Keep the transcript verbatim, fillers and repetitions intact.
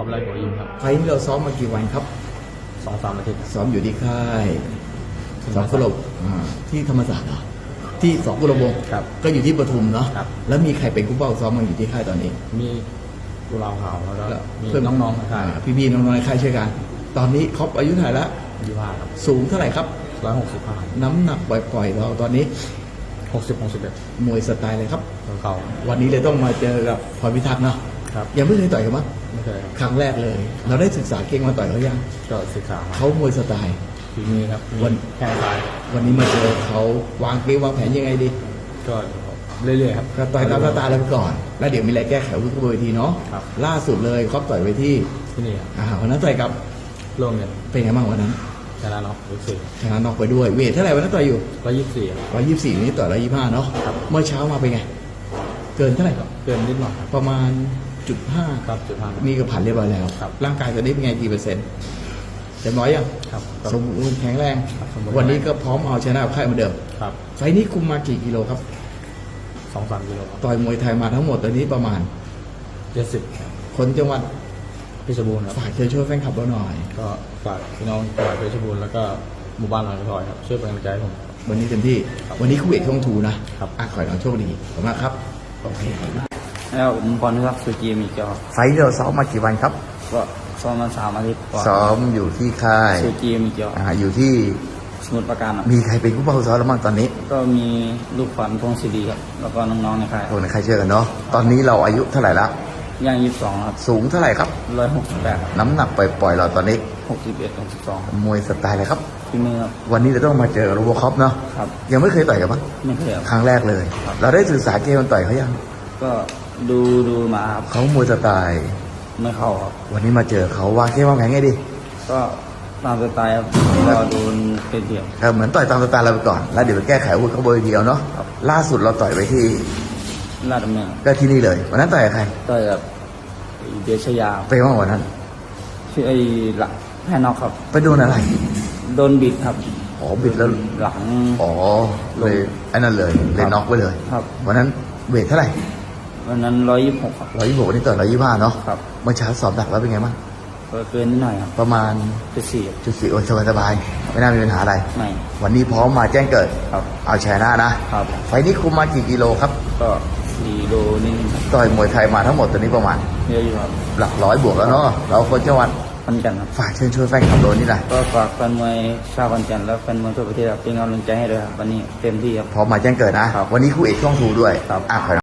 อบไล่หัวยิงครับไฟล์นี้เราซ้อมมากี่วันครับสองสามอาทิตย์ซ้อมอยู่ที่ค่ายสองกุหลาบที่ธรรมศาสตร์เหรอที่สองกุหลาบวงก็อยู่ที่ปทุมเนาะแล้วมีใครเป็นคู่เป้าซ้อมมาอยู่ที่ค่ายตอนนี้มีกุหลาบขาวแล้วก็มีเพื่อนน้องๆในค่ายพี่ๆน้องๆในค่ายช่วยกันตอนนี้ครบอายุเท่าไหร่ละยี่สิบห้าครับสูงเท่าไหร่ครับร้อยหกสิบห้าน้ำหนักปล่อยๆเราตอนนี้หกสิบหกสิบเอ็ดมวยสไตล์เลยครับเขาวันนี้เลยต้องมาเจอกับพรพิทักษ์เนาะยังไม่เคยต่อยกันมั้งไม่เคยครั้งแรกเลยเราได้ศึกษาเก่งมาต่อยเขายังก็ศึกษาเขามวยสไตล์ฝีมือครับวันแข้งซ้ายวันนี้มาเจอเขาวางเกมวางแผนยังไงดีก็เรื่อยๆครับก็ต่อยตามสไตล์เราไปก่อนแล้วเดี๋ยวมีอะไรแก้ไขวุ้นกระบวนทีเนาะล่าสุดเลยครอบต่อยไปที่ที่นี่อ่าวันนั้นต่อยกับโรงเรียนเป็นไงบ้างวันนั้นชนะน็อกยี่สิบสี่ชนะน็อกไปด้วยเวทเท่าไหร่วันนั้นต่อยอยู่ร้อยยี่สิบสี่ร้อยยี่สิบสี่นี้ต่อยร้อยยี่สิบห้าเนาะเมื่อเช้ามาเป็นไงเกินเท่าไหร่ครับเกินนิดหน่อยประมาณจุดห้าครับจุดห้ามีกระผ่านเรียบร้อยแล้วร่างกายตอนนี้เป็นไงกี่เปอร์เซ็นต์เต็มร้อยยังครับสมบูรณ์แข็งแรงวันนี้ก็พร้อมเอาชนะค่ายเหมือนเดิมครับไฟนี้คุมมากี่กิโลครับสองสามกิโลต่อยมวยไทยมาทั้งหมดตอนนี้ประมาณเจ็ดสิบคนจังหวัดเพชรบูรณ์ครับฝากเชิญชวนแฟนคลับเราหน่อยก็ฝากพี่น้องจังหวัดเพชรบูรณ์แล้วก็หมู่บ้านหนองพลอยครับช่วยเป็นกำลังใจให้ผมวันนี้เต็มที่วันนี้คู่เอกช่องทูนะครับอ่ะขอให้น้องโชคดีขอบคุณมากครับโอเคแล้วผมพรพิทักษ์สุจีมีเจ้าไฟเราซ้อมมากี่วันครับก็ซ้อมมาสามอาทิตย์ซ้อมอยู่ที่ค่ายสุจีมีเจ้าอ่าอยู่ที่สมุทรปราการมีใครเป็นผู้ป้องซ้อมแล้วบ้างตอนนี้ก็มีลูกขวัญพงศิริครับแล้วก็น้องๆในค่ายโอ้ในค่ายเชื่อกันเนาะตอนนี้เราอายุเท่าไหร่แล้วย่างยี่สิบสองครับสูงเท่าไหร่ครับร้อยหกสิบแปดน้ำหนักปล่อยๆเราตอนนี้หกสิบเอ็ดหกสิบสองมวยสไตล์อะไรครับฝีมือครับวันนี้เราต้องมาเจอโรโบคอปเนาะครับยังไม่เคยต่อยกันปะไม่เคยครั้งแรกเลยเราได้ศึกษาเกมมันต่อยเขายังก็ดูดูมาครับเขามวยสไตล์ไม่เข้าครับวันนี้มาเจอเขาวางเกมวางแผนไงดีก็ตามสไตล์ครับก็โดนเป็นเดียวเหมือนต่อยตามสไตล์เราไปก่อนแล้วเดี๋ยวไปแก้ไขอาวุธเขาเบอร์เดียวเนาะล่าสุดเราต่อยไปที่ลาดดำเนินก็ที่นี่เลยวันนั้นต่อยกับใครต่อยกับเดชยาไปว่าวันนั้นชื่อไอ้หลังแพ้นอกครับไปโดนอะไรโดนบิดครับอ๋อบิดแล้วหลังอ๋อเลยไอ้นั่นเลยเลยน็อกไปเลยครับวันนั้นเวทเท่าไหร่วันนั้นร้อยยี่สิบหกครับร้อยยี่สิบหกวันนี้ต่อร้อยยี่สิบห้าเนาะครับเมื่อเช้าสอบดักแล้วเป็นไงบ้างเกินนิดหน่อยครับประมาณจุดสี่จุดสี่โอ้สบายสบายไม่น่ามีปัญหาอะไรไม่วันนี้พร้อมมาแจ้งเกิดครับเอาชนะนะครับไฟนี้คุมมากี่กิโลครับก็สี่โลนี่ต่อยมวยไทยมาทั้งหมดตอนนี้ประมาณเยอะอยู่ครับหลักร้อยบวกแล้วเนาะเราคนจังหวัดขอนแก่นครับฝากเชิญชวนแฟนคลับโดนนี่หน่อยก็ฝากแฟนมวยชาวขอนแก่นและแฟนมวยทั่วประเทศเป็นกำลังใจให้ด้วยครับวันนี้เต็มที่ครับพร้อมมาแจ้งเกิดนะวันนี้คู่เอกช่องทูด้วยอ่ะ